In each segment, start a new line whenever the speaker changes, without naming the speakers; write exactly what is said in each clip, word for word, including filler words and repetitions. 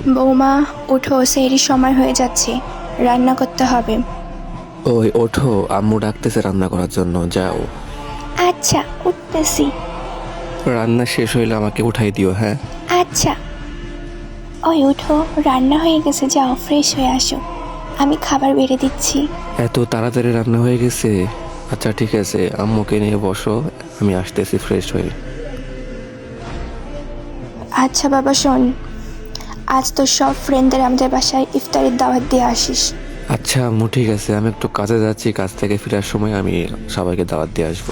বৌমা উঠো, সেহরির সময় হয়ে যাচ্ছে, রান্না করতে হবে।
ওই ওঠো, আম্মু ডাকতেছে রান্না করার জন্য, যাও।
আচ্ছা, উঠতেছি।
রান্না শেষ হইলে আমাকে উঠাই দিও, হ্যাঁ?
আচ্ছা। ওই উঠো, রান্না হয়ে গেছে, যাও ফ্রেশ হয়ে আসো, আমি খাবার বেড়ে দিচ্ছি।
এত তাড়াতাড়ি রান্না হয়ে গেছে? আচ্ছা ঠিক আছে, আম্মুকে নিয়ে বসো, আমি আসতেছি ফ্রেশ হয়ে।
আচ্ছা বাবা শোন, আজ তো সব ফ্রেন্ডদের আমাদের বাসায় ইফতারের দাওয়াত দিয়ে আসিস।
আচ্ছা আম্মু ঠিক আছে, আমি একটু কাজে যাচ্ছি, কাজ থেকে ফেরার সময় আমি সবাইকে দাওয়াত দিয়ে আসবো।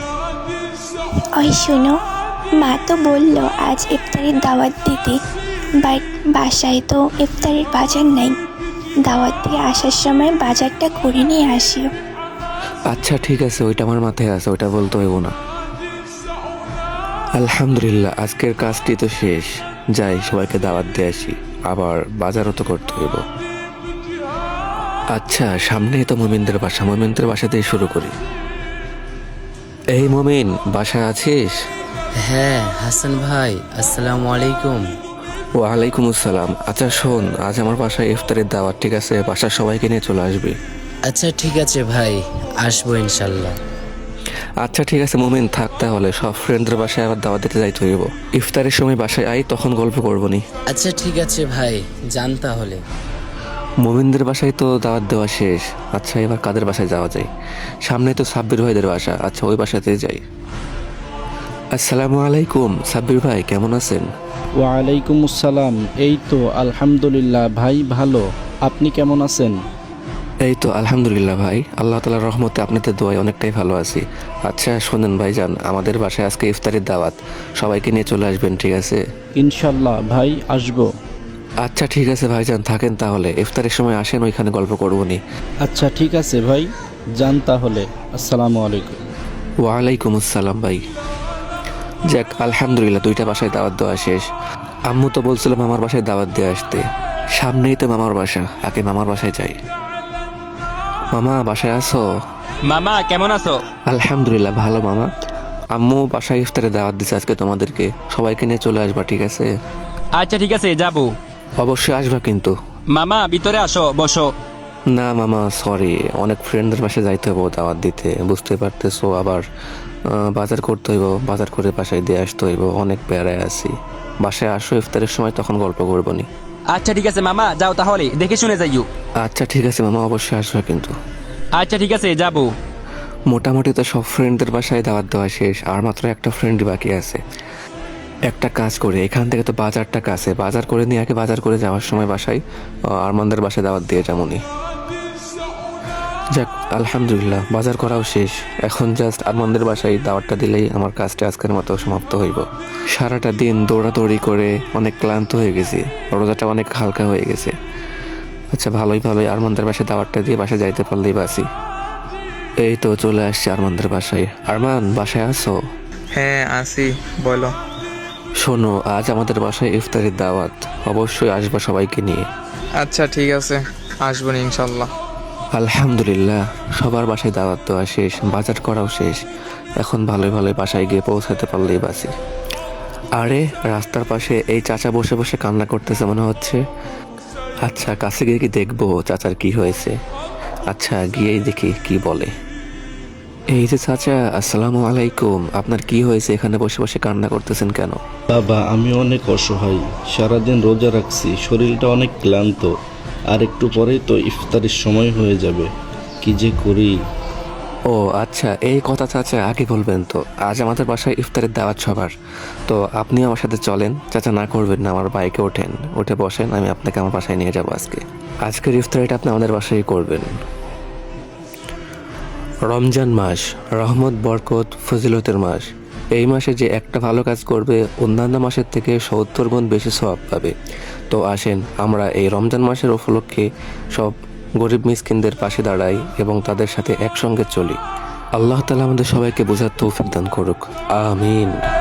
ওই শোনো, মা তো বললো আজ ইফতারের দাওয়াত দিতে, বাট বাসায় তো ইফতারের বাজার নাই, দাওয়াত দিয়ে আসার সময় বাজারটা করে নিয়ে আসিও।
আচ্ছা ঠিক আছে, ওইটা আমার মাথায় আছে, ওইটা বলতে হইব না। আলহামদুলিল্লাহ, আজকের কাজটি তো শেষ, যাই সবাইকে দাওয়াত দিয়ে আসি, আবার বাজারও তো করতে হইব। আচ্ছা সামনেই তো মোমিনদের বাসা, মোমিনদের বাসা দিয়ে শুরু করি। এই মোমিন, বাসায় আছিস?
হ্যাঁ হাসান ভাই, আসসালামু আলাইকুম।
ওয়ালাইকুম আসসালাম। আচ্ছা শোন, আজ আমার বাসায় ইফতারের দাওয়াত, ঠিক আছে? বাসার সবাইকে নিয়ে চলে আসবি।
আচ্ছা ঠিক আছে ভাই, আসবো ইনশাল্লাহ।
আচ্ছা ঠিক আছে মোমিন, থাক তাহলে, সব ফ্রেন্ডদের বাসায় আবার দাওয়াত দিতে যাইতে হইব। ইফতারের সময় বাসায় আই, তখন গল্প করবো নি।
আচ্ছা ঠিক আছে ভাই, যান তাহলে।
মোমিনদের বাসায় তো দাওয়াত দেওয়া শেষ। আচ্ছা এবার কাদের বাসায় যাওয়া যায়? সামনে তো সাব্বির ভাইদের বাসা, আচ্ছা ওই বাসাতে যাই। আসসালামু আলাইকুম, সাব্বির ভাই কেমন আছেন?
ওয়ালাইকুম আসসালাম। এই তো আলহামদুলিল্লাহ ভাই, ভালো। আপনি কেমন আছেন?
এই তো আলহামদুলিল্লাহ ভাই, আল্লাহ তাআলার রহমতে আপনাদের দোয়ায় অনেকটাই ভালো আছি। আচ্ছা শোনেন ভাইজান, আমাদের বাসায় আজকে ইফতারের দাওয়াত, সবাইকে নিয়ে চলে আসবেন, ঠিক আছে?
ইনশাল্লাহ ভাই, আসবো।
আচ্ছা ঠিক আছে ভাইজান, থাকেন তাহলে, ইফতারের সময় আসেন, ওইখানে গল্প করবো নি।
আচ্ছা ঠিক আছে ভাই, যান তাহলে। আসসালামু আলাইকুম।
ওয়ালাইকুম আসসালাম ভাই। যাক আলহামদুলিল্লাহ, দুইটা বাসায় দাওয়াত দেওয়া শেষ। আম্মু তো বলছিল মামার বাসায় দাওয়াত দিয়ে আসতে, সামনেই তো মামার বাসা, আগে মামার বাসায় যাই। মামা বাসায় আছো?
মামা কেমন আছো?
আলহামদুলিল্লাহ ভালো মামা। আম্মু বাসায় ইফতারে দাওয়াত দিচ্ছে আজকে তোমাদেরকে, সবাইকে নিয়ে চলে আসবা, ঠিক আছে?
আচ্ছা ঠিক আছে, যাবো।
অবশ্যই আসবা কিন্তু।
মামা ভিতরে আসো, বসো।
না মামা সরি, অনেক ফ্রেন্ডদের বাসায় যাইতে হইব দাওয়াত দিতে, বুঝতে পারতেছো, আবার আহ, বাজার করতে হইব, বাজার করে বাসায় দিয়ে আসতে হইব, অনেক প্যারায় আছি। বাসায় আসো ইফতারের সময়, তখন গল্প করবো নি।
আচ্ছা ঠিক আছে মামা, যাও তাহলে, দেখে শুনে যাইও।
আচ্ছা ঠিক আছে মামা, অবশ্যই আসবা কিন্তু।
আচ্ছা ঠিক আছে, যাবো।
মোটামুটি তো সব ফ্রেন্ডদের বাসায় দাওয়াত দেওয়া শেষ, আর মাত্র একটা ফ্রেন্ড বাকি আছে। একটা কাজ করে, এখান থেকে তো বাজারটা কাছে, বাজার করে নিয়ে আগে বাজার করে যাওয়ার সময় বাসায় আহ, আরমানদের বাসায় দাওয়াত দিয়ে যেমনই। যাক আলহামদুলিল্লাহ, বাজার করাও শেষ, এখন জাস্ট আরমানদের বাসায় দাওয়াতটা দিলেই আমার কাজটা আজকের মতো সমাপ্ত হইব। সারাটা দিন দৌড়াদৌড়ি করে অনেক ক্লান্ত হয়ে গেছি, রোজাটা অনেক হালকা হয়ে গেছে। আচ্ছা ভালোই ভালোই আরমানদের বাসায় দাওয়াতটা দিয়ে বাসায় যাইতে পারলেই বাসি। এই তো চলে আসছি আরমানদের বাসায়। আরমান বাসায় আছো?
হ্যাঁ আসি, বলো।
শোনো, আজ আমাদের বাসায় ইফতারের দাওয়াত, অবশ্যই আসবা সবাইকে নিয়ে।
আচ্ছা ঠিক আছে, আসবো না ইনশাল্লাহ।
আলহামদুলিল্লাহ, সবার বাসায় দাওয়াত দেওয়া শেষ, বাজার করাও শেষ, এখন ভালোই ভালোই বাসায় গিয়ে পৌঁছাতে পারলেই বাসি। আরে রাস্তার পাশে এই চাচা বসে বসে কান্না করতেছে মনে হচ্ছে। আচ্ছা কাছে গিয়ে কি দেখবো চাচার কি হয়েছে। আচ্ছা গিয়েই দেখি কি বলে। এই যে চাচা, আসসালামু আলাইকুম, আপনার কি হয়েছে, এখানে বসে বসে কান্না করতেছেন কেন?
বাবা আমি অনেক অসহায়, সারাদিন রোজা রাখছি, শরীরটা অনেক ক্লান্ত, আর একটু পরেই তো ইফতারের সময় হয়ে যাবে, কি যে করি।
ও আচ্ছা এই কথা চাচা, আগে বলবেন তো, আজ আমাদের বাসায় ইফতারের দাওয়াত সবার, তো আপনি আমার সাথে চলেন। চাচা না করবেন না, আমার বাইকে ওঠেন, উঠে বসেন, আমি আপনাকে আমার বাসায় নিয়ে যাবো আজকে। আজকের ইফতারিটা আপনি আমাদের বাসায় করবেন। রমজান মাস রহমত, বরকত, ফজিলতের মাস। এই মাসে যে একটা ভালো কাজ করবে অন্যান্য মাসের থেকে সত্তর গুণ বেশি সওয়াব পাবে। তো আসেন আমরা এই রমজান মাসের উপলক্ষে সব গরিব মিসকিনদের পাশে দাঁড়াই এবং তাদের সাথে একসঙ্গে চলি। আল্লাহ তাআলা আমাদের সবাইকে বোঝার তৌফিক দান করুক, আমিন।